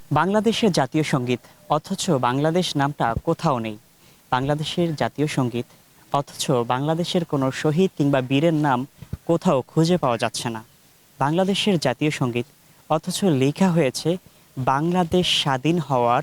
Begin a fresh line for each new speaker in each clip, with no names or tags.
বাংলাদেশের জাতীয় সঙ্গীত অথচ বাংলাদেশ নামটা কোথাও নেই। বাংলাদেশের জাতীয় সঙ্গীত অথচ বাংলাদেশের কোনো শহীদ কিংবা বীরের নাম কোথাও খুঁজে পাওয়া যাচ্ছে না। বাংলাদেশের জাতীয় সঙ্গীত অথচ লেখা হয়েছে বাংলাদেশ স্বাধীন হওয়ার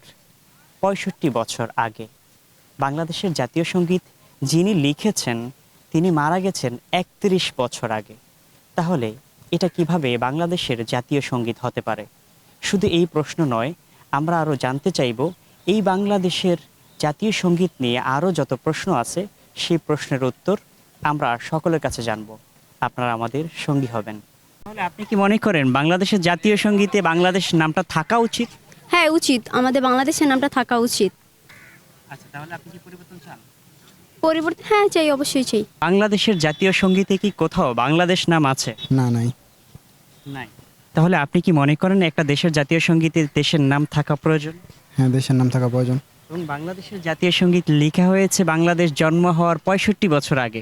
৬৫ বছর আগে। বাংলাদেশের জাতীয় সঙ্গীত যিনি লিখেছেন তিনি মারা গেছেন ৩১ বছর আগে। তাহলে এটা কিভাবে বাংলাদেশের জাতীয় সঙ্গীত হতে পারে? শুধু এই প্রশ্ন নয়, আমরা আরও জানতে চাইব এই বাংলাদেশের জাতীয় সঙ্গীত নিয়ে আরও যত প্রশ্ন আছে সেই প্রশ্নের উত্তর আমরা সকলের কাছে জানব। আপনারা আমাদের সঙ্গী হবেন। তাহলে আপনি কি মনে করেন বাংলাদেশের জাতীয় সঙ্গীতে বাংলাদেশ নামটা থাকা উচিত?
হ্যাঁ, উচিত। আমাদের বাংলাদেশের নামটা থাকা উচিত।
আচ্ছা, তাহলে আপনি কি পরিবর্তন চান?
পরিবর্তন হ্যাঁ চাই, অবশ্যই চাই।
বাংলাদেশের জাতীয় সঙ্গীতে কি কোথাও বাংলাদেশ নাম আছে?
না, নাই।
নাই। তাহলে আপনি কি মনে করেন একটা দেশের জাতীয় সঙ্গীতে দেশের নাম থাকা প্রয়োজন?
হ্যাঁ, দেশের নাম থাকা প্রয়োজন।
এবং বাংলাদেশের জাতীয় সঙ্গীত লেখা হয়েছে বাংলাদেশ জন্ম হওয়ার ৬৫ বছর আগে।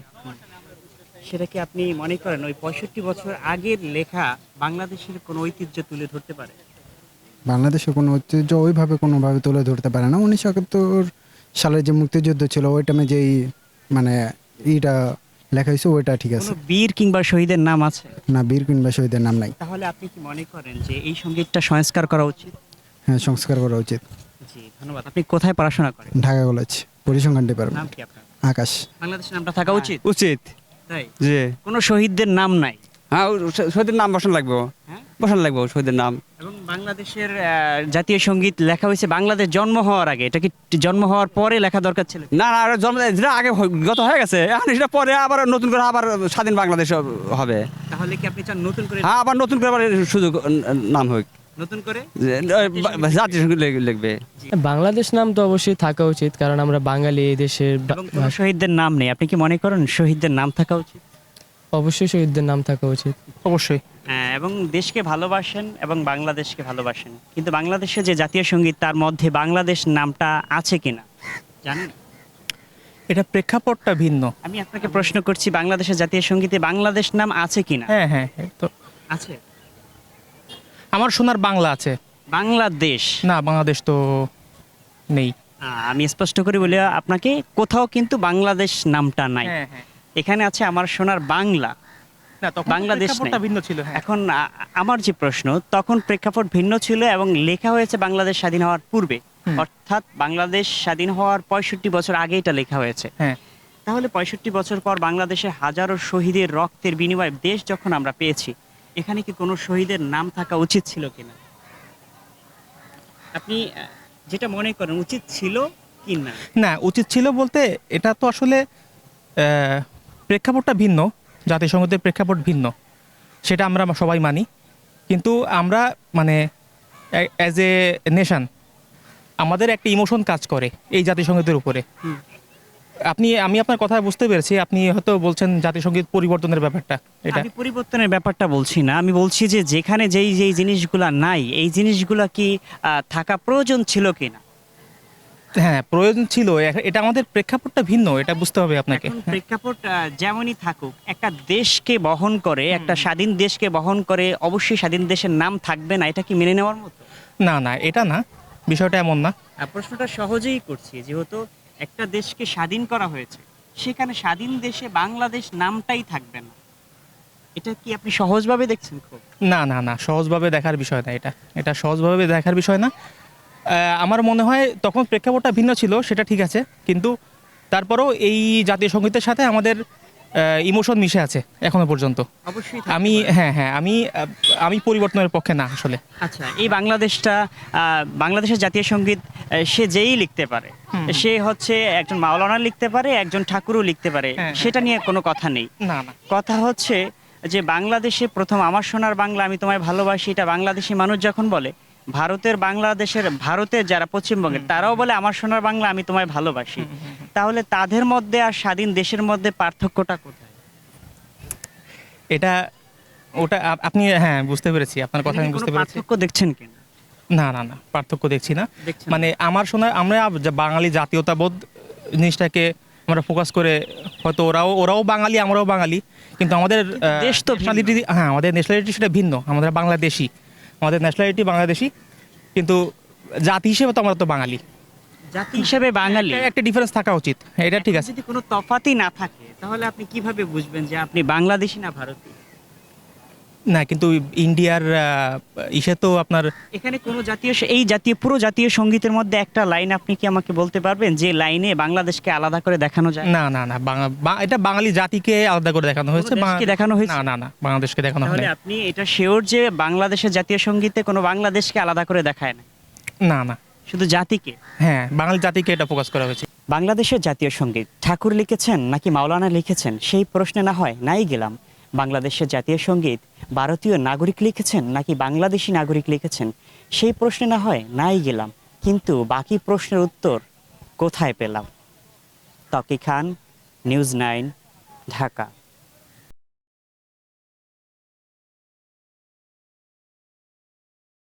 সেটা কি আপনি মনে করেন ওই ৬৫ বছর আগের লেখা বাংলাদেশের কোনো ঐতিহ্য তুলে ধরতে পারে?
বাংলাদেশের কোনো ঐতিহ্য ওইভাবে কোনোভাবে তুলে ধরতে পারে না। ১৯৭১ সালের যে মুক্তিযুদ্ধ ছিল ওই টাইমে যেই মানে এইটা লেখা হয়েছে ওইটা ঠিক আছে।
কোনো বীর কিংবা শহীদের নাম আছে?
না, বীর কিংবা শহীদের নাম নাই।
তাহলে আপনি কি মনে করেন যে এই সঙ্গীতটা সংস্কার করা উচিত?
হ্যাঁ, সংস্কার করা উচিত।
জি, ধন্যবাদ। আপনি কোথায় পড়াশোনা করেন?
ঢাকা কলেজ, পরিসংখ্যান
নাম
ডিপার্টমেন্ট।
কি আপনার?
আকাশ।
বাংলাদেশের নামটা থাকা উচিত?
উচিত।
তাই?
জি।
কোনো শহীদদের নাম নাই?
হ্যাঁ, শহীদের নাম বসানো লাগবে।
হ্যাঁ?
বসানো লাগবে শহীদের নাম।
এবং বাংলাদেশের জাতীয় সঙ্গীত লেখা হয়েছে বাংলাদেশ জন্ম হওয়ার আগে। এটা কি জন্ম হওয়ার পরে লেখা দরকার ছিল?
না না, আরো জন্ম যেটা আগে গত হয়ে গেছে, এখন সেটা পরে আবার নতুন করে আবার স্বাধীন বাংলাদেশ হবে।
তাহলে কি আপনি চান নতুন করে?
হ্যাঁ, আবার নতুন করে আবার সুযোগ নাম হোক,
নতুন করে
জাতীয় সঙ্গীত লিখবে।
বাংলাদেশ নাম তো অবশ্যই থাকা উচিত, কারণ আমরা বাঙালি, এই দেশের
এবং কোনো শহীদদের নাম নেই। আপনি কি মনে করেন শহীদদের নাম থাকা উচিত?
অবশ্যই শহীদদের নাম থাকা উচিত।
অবশ্যই।
হ্যাঁ, এবং দেশকে ভালোবাসেন এবং বাংলাদেশকে ভালোবাসেন, কিন্তু বাংলাদেশের যে জাতীয় সঙ্গীত তার মধ্যে বাংলাদেশ নামটা আছে কিনা জানেন?
এটা প্রেক্ষাপটটা ভিন্ন।
আমি আপনাকে প্রশ্ন করছি বাংলাদেশের জাতীয় সঙ্গীতে বাংলাদেশ নাম আছে কিনা?
হ্যাঁ হ্যাঁ, তো
আছে।
আমার শোনার বাংলা আছে।
বাংলাদেশ
না, বাংলাদেশ তো নেই।
আমি স্পষ্ট করে বলি আপনাকে, কোথাও কিন্তু বাংলাদেশ নামটা নাই।
হ্যাঁ হ্যাঁ,
এখানে আছে আমার সোনার বাংলা।
না তখন
বাংলাদেশ
প্রেক্ষাপটটা
নেই।
ভিন্ন ছিল। হ্যাঁ,
এখন আমার যে প্রশ্ন, তখন প্রেক্ষাপট ভিন্ন ছিল এবং লেখা হয়েছে বাংলাদেশ স্বাধীন হওয়ার পূর্বে, অর্থাৎ বাংলাদেশ স্বাধীন হওয়ার ৬৫ বছর আগে এটা লেখা হয়েছে।
হ্যাঁ।
তাহলে ৬৫ বছর পর বাংলাদেশে হাজারো শহীদের রক্তের বিনিময়ে দেশ যখন আমরা পেয়েছি, এখানে কি কোনো শহীদের নাম থাকা উচিত ছিল কিনা? আপনি যেটা মনে করেন উচিত ছিল কি না?
না, উচিত ছিল বলতে এটা তো আসলে প্রেক্ষাপটটা ভিন্ন, জাতিসংঘের প্রেক্ষাপট ভিন্ন, সেটা আমরা সবাই মানি। কিন্তু আমরা মানে অ্যাজ এ নেশন আমাদের একটা ইমোশন কাজ করে এই জাতিসংঘের উপরে। আমি আপনার কথা বুঝতে পেরেছি, আপনি হয়তো বলছেন জাতিসংগীত পরিবর্তনের ব্যাপারটা। এটা
আমি পরিবর্তনের ব্যাপারটা বলছি না, আমি বলছি যে যেখানে যেই জিনিসগুলা নাই, এই জিনিসগুলা কি থাকা প্রয়োজন ছিল কিনা?
হ্যাঁ, প্রয়োজন ছিল। এটা আমাদের প্রেক্ষাপটটা ভিন্ন, এটা বুঝতে হবে আপনাকে।
এখন প্রেক্ষাপট যেমনই থাকুক, একটা দেশকে বহন করে, একটা স্বাধীন দেশকে বহন করে অবশ্যই স্বাধীন দেশের নাম থাকবে না, এটা কি মেনে নেওয়ার মতো?
না না, এটা না, বিষয়টা এমন না।
প্রশ্নটা সহজেই করছি, যেহেতু একটা দেশকে স্বাধীন করা হয়েছে, সেখানে স্বাধীন দেশে বাংলাদেশ নামটাই থাকবে না, এটা কি আপনি সহজভাবে দেখছেন? খুব
না না না, সহজভাবে দেখার বিষয় না এটা। এটা সহজভাবে দেখার বিষয় না। আমার মনে হয় তখন প্রেক্ষাপটটা ভিন্ন ছিল, সেটা ঠিক আছে, কিন্তু তারপরেও এই জাতীয় সঙ্গীতের সাথে আমাদের ইমোশন মিশে আছে এখনো পর্যন্ত।
অবশ্যই
আমি পরিবর্তনের পক্ষে না আসলে।
আচ্ছা, এই বাংলাদেশটা বাংলাদেশের জাতীয় সঙ্গীত সে যেই লিখতে পারে, সে হচ্ছে একজন মাওলানা লিখতে পারে, একজন ঠাকুরও লিখতে পারে, সেটা নিয়ে কোনো কথা নেই।
না না,
কথা হচ্ছে যে বাংলাদেশে প্রথম আমার সোনার বাংলা আমি তোমায় ভালোবাসি, এটা বাংলাদেশি মানুষ যখন বলে, ভারতের যারা পশ্চিমবঙ্গের তারাও বলে আমার সোনার বাংলা আমি তোমায় ভালোবাসি, তাহলে তাদের মধ্যে আর স্বাধীন দেশের মধ্যে পার্থক্যটা কোথায়?
এটা ওটা আপনি হ্যাঁ বুঝতে পেরেছি, আপনার কথা আমি বুঝতে পেরেছি।
পার্থক্য দেখছেন কিনা?
না না না, পার্থক্য দেখছি না। মানে আমার শোনা আমরা বাঙালি জাতীয়তাবোধ জিনিসটাকে আমরা ফোকাস করে, হয়তো ওরাও বাঙালি আমরাও বাঙালি, কিন্তু আমাদের
দেশ তো
ন্যাশনালিটি, হ্যাঁ আমাদের ন্যাশনালিটি সেটা ভিন্ন। আমাদের বাংলাদেশি, আমাদের ন্যাশনালিটি বাংলাদেশি, কিন্তু জাতি হিসেবে তো আমরা তো বাঙালি।
জাতি হিসেবে বাঙালি।
একটা ডিফারেন্স থাকা উচিত, এটা ঠিক আছে।
যদি কোনো তফাতই না থাকে তাহলে আপনি কিভাবে বুঝবেন যে আপনি বাংলাদেশি না ভারতীয়?
না, কিন্তু ইন্ডিয়ার ইসে তো আপনার
এখানে কোনো এই জাতীয় পুরো জাতীয় সঙ্গীতের মধ্যে একটা লাইন আপনি কি আমাকে বলতে পারবেন যে লাইনে বাংলাদেশকে আলাদা করে দেখানো যায়?
না না না, এটা বাঙালি জাতিকে আলাদা করে দেখানো হয়েছে।
দেশকে দেখানো হয়েছে?
না না না, বাংলাদেশকে দেখানো হয়
তাহলে আপনি এটা শিওর যে বাংলাদেশের জাতীয় সঙ্গীতে কোনো বাংলাদেশকে আলাদা করে দেখায় না,
না না।
শুধু জাতিকে?
হ্যাঁ, বাঙালি জাতিকে এটা ফোকাস করা হয়েছে।
বাংলাদেশের জাতীয় সঙ্গীত ঠাকুর লিখেছেন নাকি মাওলানা লিখেছেন সেই প্রশ্নে না হয় নাই গেলাম। বাংলাদেশের জাতীয় সঙ্গীত ভারতীয় নাগরিক লিখেছেন নাকি বাংলাদেশি নাগরিক লিখেছেন সেই প্রশ্নে না হয় নাই গেলাম। কিন্তু বাকি প্রশ্নের উত্তর কোথায় পেলাম? তকি খান, নিউজ 9, ঢাকা।